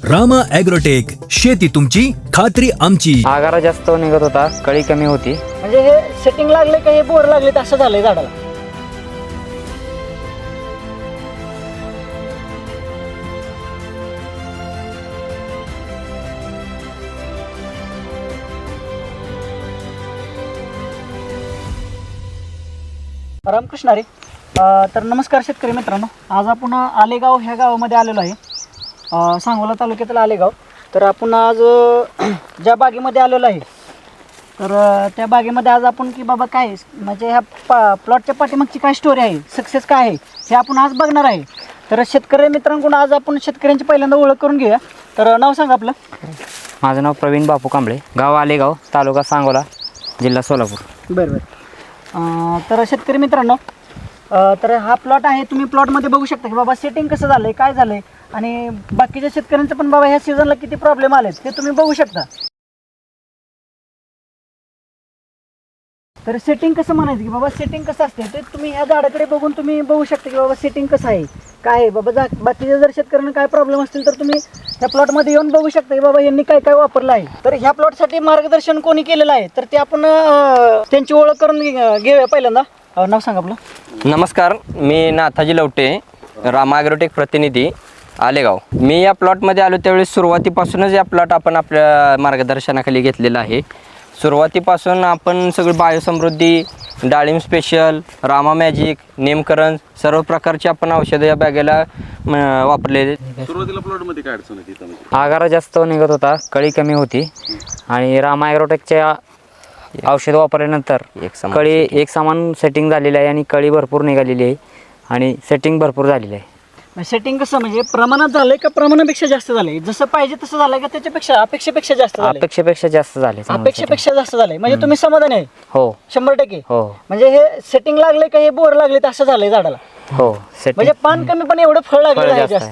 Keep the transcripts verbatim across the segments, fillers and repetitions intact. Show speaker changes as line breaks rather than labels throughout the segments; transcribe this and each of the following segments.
Rama agrotech, शेती तुमची खात्री आमची.
आगारा जास्त निघत होता, कळी कमी होती.
म्हणजे हे सेटिंग लागले का हे बोर लागले असं झालंय झाडाला. रामकृष्ण हरी. अ, तर नमस्कार शेतकरी मित्रांनो, आज आपण आलेगाव ह्या गावामध्ये आलेलो आहे, अ, सांगोला तालुक्यातील आलेगाव. तर आपण आज अ, ज्या बागेमध्ये आलेलो आहे, तर अ, त्या बागेमध्ये आज आपण की बाबा काय म्हणजे ह्या पा प्लॉटच्या पाठीमागची काय स्टोरी आहे, सक्सेस काय आहे हे आपण आज बघणार आहे. तर शेतकरी मित्रांकडून आज आपण शेतकऱ्यांची पहिल्यांदा ओळख करून घेऊया. तर नाव सांगा आपलं.
माझं नाव प्रवीण बापू कांबळे, गाव आलेगाव, तालुका सांगोला, जिल्हा सोलापूर.
बरं बरं. अ, तर शेतकरी मित्रांनो, अ, तर हा प्लॉट आहे, तुम्ही प्लॉटमध्ये बघू शकता की बाबा सेटिंग कसं झालं आहे, काय झालं आहे, आणि बाकीच्या शेतकऱ्यांचं पण बाबा ह्या सीझनला किती प्रॉब्लेम आले ते तुम्ही बघू शकता. तर सेटिंग कसं म्हणायचं की बाबा सेटिंग कसं असते ते तुम्ही ह्या झाडाकडे बघून तुम्ही बघू शकता की बाबा सेटिंग कसं आहे, काय आहे बाबा. जा बाकीच्या जर शेतकऱ्यांना काय प्रॉब्लेम असतील तर तुम्ही ह्या प्लॉटमध्ये येऊन बघू शकता की बाबा यांनी काय काय वापरलं आहे. तर ह्या प्लॉटसाठी मार्गदर्शन कोणी केलेलं आहे तर ते आपण अ, त्यांची ओळख करून घे- घेऊया. पहिल्यांदा अ, नाव सांगा आपलं.
नमस्कार, मी नाथाजी लवटे, रामा ॲग्रोटेक प्रतिनिधी, आलेगाव. मी या प्लॉटमध्ये आलो त्यावेळी सुरुवातीपासूनच या प्लॉट आपण आपल्या मार्गदर्शनाखाली घेतलेला आहे. सुरुवातीपासून आपण सगळी बायोसमृद्धी, डाळिंब स्पेशल, रामा मॅजिक, नेमकरण सर्व प्रकारची आपण औषधं या बॅगेला म, वापरलेले.
सुरुवातीला प्लॉटमध्ये काय अडचण होती इथं?
आगारा जास्त निघत होता, कळी कमी होती, आणि रामा ॲग्रोटेकच्या औषध वापरल्यानंतर
एक समान
कळी एक समान सेटिंग झालेली आहे आणि कळी भरपूर निघालेली आहे आणि सेटिंग भरपूर झालेली आहे.
सेटिंग कसं म्हणजे प्रमाणात झालंय का प्रमाणापेक्षा जास्त झालंय, जसं पाहिजे तसं झालंय का त्याच्यापेक्षा अपेक्षेपेक्षा जास्त झालंय?
अपेक्षेपेक्षा जास्त झाले, चांगलं
अपेक्षेपेक्षा जास्त झालंय म्हणजे तुम्ही समाधानी आहे
setting. हो
शंभर टक्के.
हो
म्हणजे हे सेटिंग लागले का हे बोर लागले असं झालंय झाडाला.
हो
म्हणजे
सेटिंग
पान कमी पण एवढं फळ लागलेलं आहे जास्त.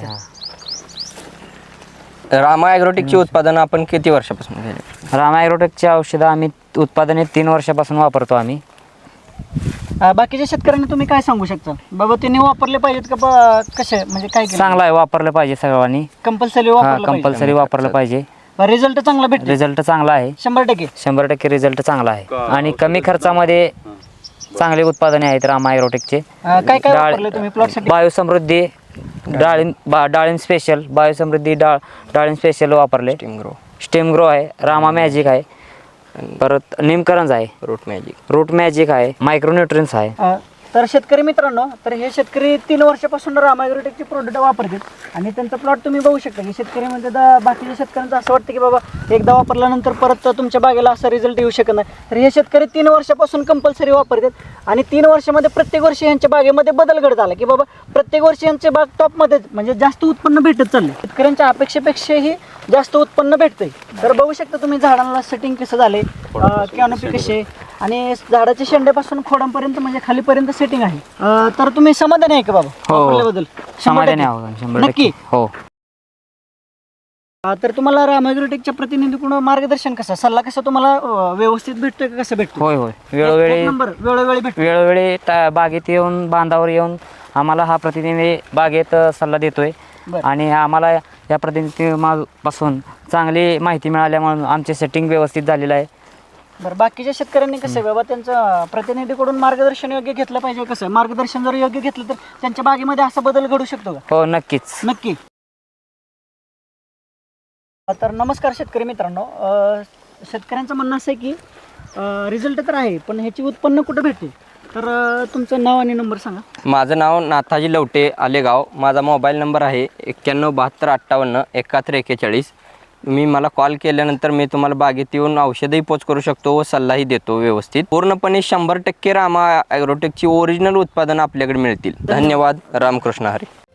रामा ॲग्रोटेकची उत्पादनं आपण किती वर्षापासून घेतली?
रामा ॲग्रोटेकची औषधं आम्ही उत्पादने तीन वर्षापासून वापरतो आम्ही.
अं, बाकीच्या शेतकऱ्यांना तुम्ही काय सांगू शकता बाबा त्यांनी वापरले पाहिजेत का ब- कसे म्हणजे काय
चांगलं आहे, वापरलं पाहिजे सर्वांनी.
कंपल्सरी
हा,
वापरलं पाहिजे.
कंपल्सरी वापरलं पाहिजे.
रिझल्ट चांगला भेटतो
रिझल्ट चांगला आहे,
शंभर टक्के.
शंभर टक्के रिझल्ट चांगला आहे आणि कमी खर्चामध्ये चांगले उत्पादने आहेत रामा ॲग्रोटेकचे.
अं, काय काय
डाळ-
वापरले तुम्ही प्लॉटसाठी?
बायोसमृद्धी, डाळिंब बा डाळिंब स्पेशल, बायोसमृद्धी डाळ डाळिंब स्पेशल वापरले.
टीम ग्रो,
स्टेम ग्रो आहे, रामा मॅजिक आहे, परत निमकरंज आहे,
रूट मॅजिक.
रूट मॅजिक आहे, मायक्रोन्युट्रिन्स आहे.
अ, तर शेतकरी मित्रांनो, तर हे शेतकरी तीन वर्षापासून रामा ॲग्रोटेकचे प्रोडक्ट वापरतात आणि त्यांचा प्लॉट तुम्ही बघू शकता की शेतकऱ्यामध्ये दा बाकीच्या शेतकऱ्यांचं असं वाटतं की बाबा एकदा वापरल्यानंतर परत तुमच्या बागेला असा रिझल्ट येऊ शकत नाही. तर हे शेतकरी तीन वर्षापासून कंपल्सरी वापरतात आणि तीन वर्षामध्ये प्रत्येक वर्षी यांच्या बागेमध्ये बदल घडत आला की बाबा प्रत्येक वर्षी यांचे बाग टॉपमध्ये म्हणजे जास्त उत्पन्न भेटत चालले. शेतकऱ्यांच्या अपेक्षेपेक्षाही जास्त उत्पन्न भेटतंय. तर बघू शकता तुम्ही झाडांना सेटिंग कसं झाले, कॅनोपी कशी आहे आणि झाडाच्या शेंड्यापासून खोडांपर्यंत म्हणजे खालीपर्यंत सेटिंग आहे. अं, तर तुम्ही समाधानी आहे का बाबा
हो.
वापरल्याबद्दल? शंभर
समाधानी
टक्के.
आहोत, शंभर
नक्की.
टक्के. हो.
अं, तर तुम्हाला रामा ॲग्रोटेकच्या प्रतिनिधीकडून मार्गदर्शन कसं, सल्ला कसा तुम्हाला अं, व्यवस्थित भेटतोय का कसं भेटतो?
होय होय वेळोवेळी
नंबर वेळोवेळी भेटतो.
वेळोवेळी ता- बागेत येऊन, बांधावर येऊन आम्हाला हा प्रतिनिधी बागेत अ, सल्ला देतोय
बरं.
आणि आम्हाला या प्रतिनिधीपासून चांगली माहिती मिळाल्यामुळे आमचे सेटिंग व्यवस्थित झालेलं आहे.
बरं, बाकीच्या शेतकऱ्यांनी कसं आहे बाबा त्यांचं प्रतिनिधीकडून मार्गदर्शन योग्य घेतलं पाहिजे. कसं मार्गदर्शन जर योग्य घेतलं तर त्यांच्या बागेमध्ये असा बदल घडू शकतो का?
हो, नक्कीच.
नक्की. तर नमस्कार शेतकरी मित्रांनो, अ, शेतकऱ्यांचं म्हणणं असं आहे की रिझल्ट तर आहे पण ह्याची उत्पन्न कुठं भेटते. तर अ, तुमचं नाव आणि नंबर सांगा.
माझं नाव नाथाजी लवटे, आलेगाव. माझा मोबाईल नंबर आहे एक्क्याण्णव बहात्तर अठ्ठावन्न एकाहत्तर एक्केचाळीस. तुम्ही मला कॉल केल्यानंतर मी तुम्हाला बागेत येऊन औषधही पोच करू शकतो व सल्लाही देतो व्यवस्थित. पूर्णपणे शंभर टक्के रामा ॲग्रोटेकची ओरिजिनल उत्पादनं आपल्याकडे मिळतील. धन्यवाद. रामकृष्ण हरी.